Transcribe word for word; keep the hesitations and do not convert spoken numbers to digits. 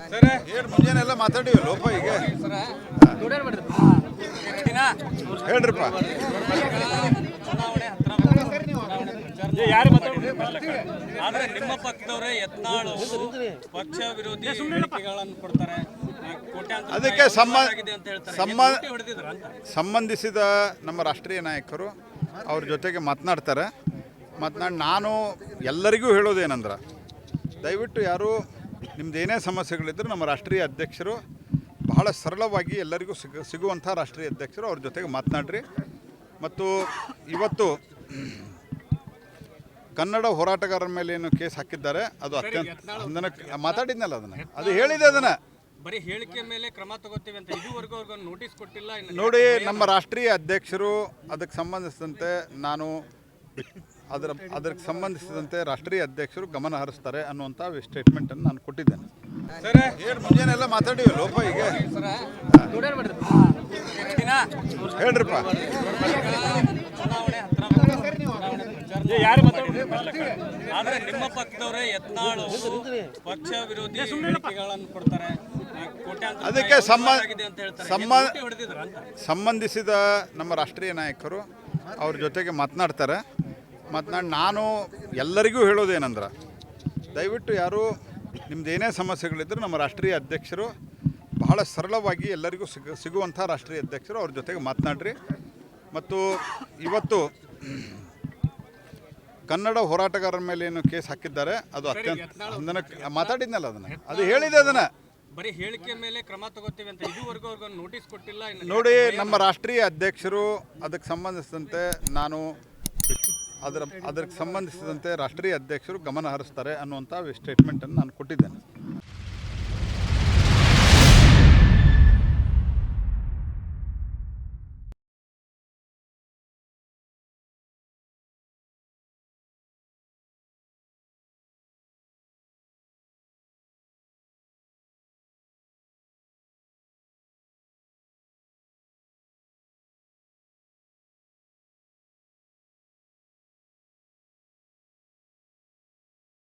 Sir ಏನು ಮುಂಜಾನೆಲ್ಲ ಮಾತಾಡಿವಿ ಲೋಪ ಈಗ ಹೇಳ್ರಿಪ್ಪ. ಆದ್ರೆ ನಿಮ್ಮ ಪಕ್ಷದವರೇ ಯತ್ನಾಳು ಪಕ್ಷ ವಿರೋಧಿ ಹೇಳಿಕೆಗಳನ್ನು ಕೊಡ್ತಾರೆ. ಅದಕ್ಕೆ ಸಂಬಂಧಿಸಿದ ನಮ್ಮ ರಾಷ್ಟ್ರೀಯ ನಾಯಕರು ಅವ್ರ ಜೊತೆಗೆ ಮಾತನಾಡ್ತಾರೆ. ಮಾತನಾಡಿ ನಾನು ಎಲ್ಲರಿಗೂ ಹೇಳೋದೇನಂದ್ರೆ, ದಯವಿಟ್ಟು ಯಾರು ನಿಮ್ದು ಏನೇ ಸಮಸ್ಯೆಗಳಿದ್ದರೂ ನಮ್ಮ ರಾಷ್ಟ್ರೀಯ ಅಧ್ಯಕ್ಷರು ಬಹಳ ಸರಳವಾಗಿ ಎಲ್ಲರಿಗೂ ಸಿಗ ಸಿಗುವಂಥ ರಾಷ್ಟ್ರೀಯ ಅಧ್ಯಕ್ಷರು ಅವ್ರ ಜೊತೆಗೆ ಮಾತನಾಡ್ರಿ. ಮತ್ತು ಇವತ್ತು ಕನ್ನಡ ಹೋರಾಟಗಾರರ ಮೇಲೆ ಏನು ಕೇಸ್ ಹಾಕಿದ್ದಾರೆ ಅದು ಅತ್ಯಂತ ಅದನ್ನು ಮಾತಾಡಿದ್ನಲ್ಲ, ಅದನ್ನು ಅದು ಹೇಳಿದೆ. ಅದನ್ನು ಬರೀ ಹೇಳಿಕೆ ಮೇಲೆ ಕ್ರಮ ತಗೋತೀವಿ ಅಂತ ಇದುವರೆಗೂ ಅವ್ರಿಗೆ ನೋಟಿಸ್ ಕೊಟ್ಟಿಲ್ಲ. ನೋಡಿ, ನಮ್ಮ ರಾಷ್ಟ್ರೀಯ ಅಧ್ಯಕ್ಷರು ಅದಕ್ಕೆ ಸಂಬಂಧಿಸಿದಂತೆ ನಾನು ಅದರ ಅದಕ್ಕೆ ಸಂಬಂಧಿಸಿದಂತೆ ರಾಷ್ಟ್ರೀಯ ಅಧ್ಯಕ್ಷರು ಗಮನ ಹರಿಸ್ತಾರೆ ಅನ್ನುವಂಥ ಸ್ಟೇಟ್ಮೆಂಟನ್ನು ನಾನು ಕೊಟ್ಟಿದ್ದೇನೆ. ಸರ್ ಏನು ಮುಂಜಾನೆಲ್ಲ ಮಾತಾಡಿವಿ ಲೋಪ ಈಗ ಹೇಳ್ರಿಪ್ಪ. ಆದ್ರೆ ನಿಮ್ಮ ಪಕ್ಷದವರೇ ಯತ್ನಾಳು ಪಕ್ಷ ವಿರೋಧಿ ಹೇಳಿಕೆಗಳನ್ನು ಕೊಡ್ತಾರೆ. ಅದಕ್ಕೆ ಸಂಬಂಧಿಸಿದ ನಮ್ಮ ರಾಷ್ಟ್ರೀಯ ನಾಯಕರು ಅವ್ರ ಜೊತೆಗೆ ಮಾತನಾಡ್ತಾರೆ. ಮಾತನಾಡಿ ನಾನು ಎಲ್ಲರಿಗೂ ಹೇಳೋದೇನಂದ್ರೆ, ದಯವಿಟ್ಟು ಯಾರು ನಿಮ್ದು ಏನೇ ಸಮಸ್ಯೆಗಳಿದ್ದರೂ ನಮ್ಮ ರಾಷ್ಟ್ರೀಯ ಅಧ್ಯಕ್ಷರು ಬಹಳ ಸರಳವಾಗಿ ಎಲ್ಲರಿಗೂ ಸಿಗ ಸಿಗುವಂಥ ರಾಷ್ಟ್ರೀಯ ಅಧ್ಯಕ್ಷರು ಅವ್ರ ಜೊತೆಗೆ ಮಾತನಾಡ್ರಿ. ಮತ್ತು ಇವತ್ತು ಕನ್ನಡ ಹೋರಾಟಗಾರರ ಮೇಲೆ ಏನು ಕೇಸ್ ಹಾಕಿದ್ದಾರೆ ಅದು ಅತ್ಯಂತ ಅದನ್ನು ಮಾತಾಡಿದ್ನಲ್ಲ, ಅದನ್ನು ಅದು ಹೇಳಿದೆ. ಅದನ್ನು ಬರೀ ಹೇಳಿಕೆ ಮೇಲೆ ಕ್ರಮ ತಗೋತೀವಿ ಅಂತ ಇದುವರೆಗೂ ಅವ್ರಿಗೆ ನೋಟಿಸ್ ಕೊಟ್ಟಿಲ್ಲ. ನೋಡಿ, ನಮ್ಮ ರಾಷ್ಟ್ರೀಯ ಅಧ್ಯಕ್ಷರು ಅದಕ್ಕೆ ಸಂಬಂಧಿಸಿದಂತೆ ನಾನು ಅದರ ಅದಕ್ಕೆ ಸಂಬಂಧಿಸಿದಂತೆ ರಾಷ್ಟ್ರೀಯ ಅಧ್ಯಕ್ಷರು ಗಮನ ಹರಿಸ್ತಾರೆ ಅನ್ನುವಂಥ ಸ್ಟೇಟ್ಮೆಂಟನ್ನು ನಾನು ಕೊಟ್ಟಿದ್ದೇನೆ.